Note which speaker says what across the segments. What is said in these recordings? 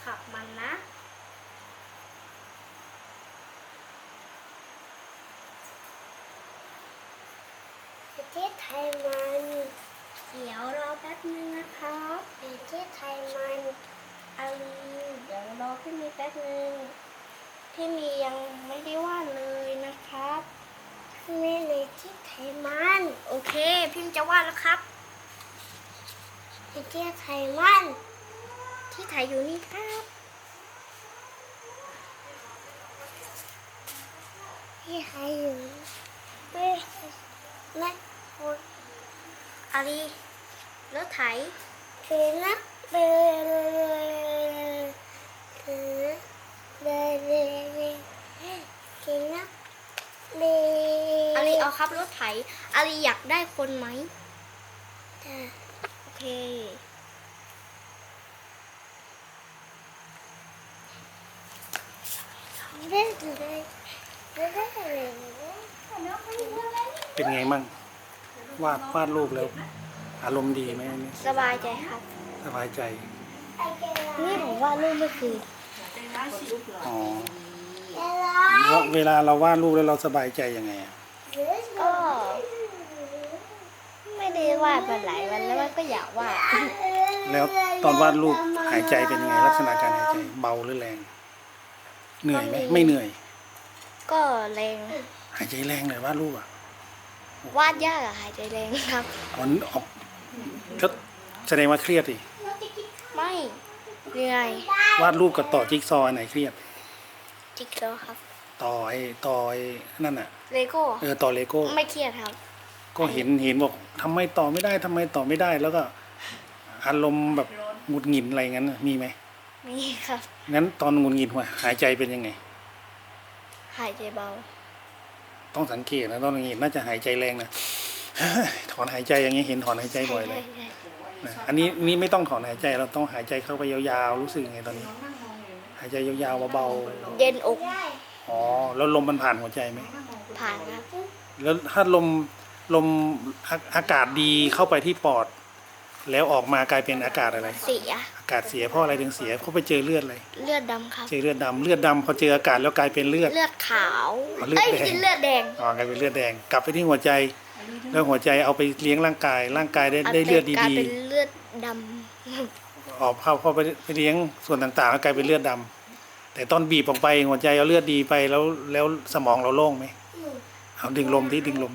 Speaker 1: ขับมันนะประเทศไทยมันเดี๋ยวรอแป๊บนึงนะครับประเทศไทยมันอาลีเดี๋ยวรอพี่มีแป๊บนึงพี่มียังไม่ได้วาดเลยนะครับพี่มีในที่ไทยมันโอเคพี่มีจะวาดแล้วครับประเทศไทยมันที่ไทยอยู่นี่ครับที่ไทยอยู่ไม่คนอาลีรถไถเป็นนะอาลีเอาครับรถไถอาลีอยากได้คนไหมโอเค
Speaker 2: เป็นไงมั่งวาดรูปแล้วอารมณ์ดีไหมอันนี้
Speaker 1: สบายใจครับ
Speaker 2: สบายใจ
Speaker 1: นี่ผมว่ารูปไม่คือ
Speaker 2: อ๋อแล้วเวลาเราวาดรูปแล้วเราสบายใจยังไงอะ
Speaker 1: ก็ไม่ได้วาดมาหลายวันแล้วก็อยากวาด
Speaker 2: แล้วตอนวาดรูปหายใจเป็นยังไงลักษณะการหายใจเบาหรือแรงเหนื่อยไหมไม่เหนื่อย
Speaker 1: ก็แรง
Speaker 2: หายใจแรงเลยวาดรูปอ่ะ
Speaker 1: วาดยากอะหายใจแรงครับ
Speaker 2: มันออกก็แสดงว่าเครียดดิ
Speaker 1: ไม่เหนื่อยว
Speaker 2: าดรูปกับต่อจิ๊กซอว์อันไหนเครียด
Speaker 1: จิ๊กซอว์ครับ
Speaker 2: ต่อไอ้นั่นอ่ะ
Speaker 1: เลโก้
Speaker 2: ต่อเลโก้
Speaker 1: ไม่เครียดครับ
Speaker 2: ก็เห็นบอกทำไมต่อไม่ได้ทำไมต่อไม่ได้ แล้วก็อารมณ์แบบหงุดหงิดอะไรงั้นน่ะมีไหม
Speaker 1: มีครับ
Speaker 2: งั้นตอนหงุดหงิดหัวหายใจเป็นยังไง
Speaker 1: หายใจเบา
Speaker 2: ต้องสังเกตนะตอนหงุดหงิดน่าจะหายใจแรงนะ ถอนหายใจอย่างเงี้ยเห็นถอนหายใจบ่อยเลยนะอันนี้ไม่ต้องถอนหายใจเราต้องหายใจเข้าไปยาวๆรู้สึกยังไงตอนนี้ หายใจยาวๆเบา
Speaker 1: เย็นอก
Speaker 2: ๆอ๋อแล้วลมมันผ่านหัวใจไหม
Speaker 1: ผ่านครับ
Speaker 2: แล้วถ้าลมอากาศดีเข้าไปที่ปอด แล้วออกมากลายเป็นอากาศอะไร
Speaker 1: เสีย
Speaker 2: อากาศเสียเพราะอะไรถึงเสียเพราะไปเจอเลือดอะไร
Speaker 1: เลือดดำครับ
Speaker 2: เจอเลือดดำพอเจออากาศแล้วกลายเป็นเลือด
Speaker 1: เลือดขาว
Speaker 2: อ๋อเลือด
Speaker 1: เอ้ย
Speaker 2: แดง
Speaker 1: กินเลือดแดง
Speaker 2: อ๋อกลายเป็นเลือดแดงกลับไปที่หัวใจ แล้วหัวใจเอาไปเลี้ยงร่างกายได้เลือด
Speaker 1: กลาย
Speaker 2: ดี
Speaker 1: เป็นเลือดด
Speaker 2: ๆออกเข้าไปเลี้ยงส่วนต่างๆแล้วกลายเป็นเลือดดำแต่ตอนบีบออกไปหัวใจเอาเลือดดีไปแล้วสมองเราโล่งไหมเอาดึงลมนี่ดึงลม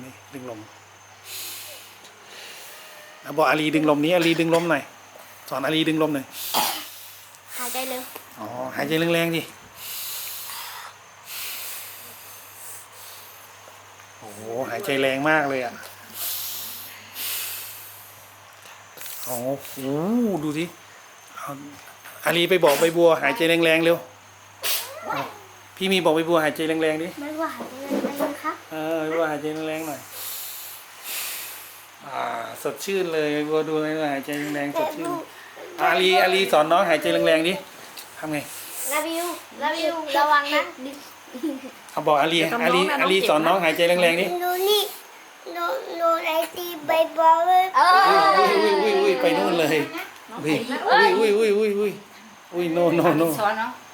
Speaker 2: เอาบอกอาลีดึงลมนี้อาลีดึงลมหน่อยสอนอาลีดึงลมหน่อย
Speaker 1: ำหายใจเร็ว
Speaker 2: อ๋อหายใจแรงๆดิโอ้โหหายใจแรงมากเลยอ่ะโอ้โหดูสิเอาอาลีไปบอกใบบัวหายใจแรงๆเร็วเอาพี่มีบอกใบบัวหายใจแรงๆดิ
Speaker 1: ไม่ว่าหายใจแรงครับ
Speaker 2: ใบบัวหายใจแรงๆหน่อยสดชื่นเลยใบบัวดูเลยหายใจแรงๆสดชื่นอาลีสอนน้องหายใจแรงๆดิทำไง
Speaker 1: ลาวิวระวังนะ
Speaker 2: เอาบอกอาลีสอนน้องหายใจแรงๆดิ
Speaker 1: ดูนี่ดูไอตีใบบอลเลย
Speaker 2: อุ้ยไปนู่นเลยอุ้ยโน
Speaker 3: สอนเนาะ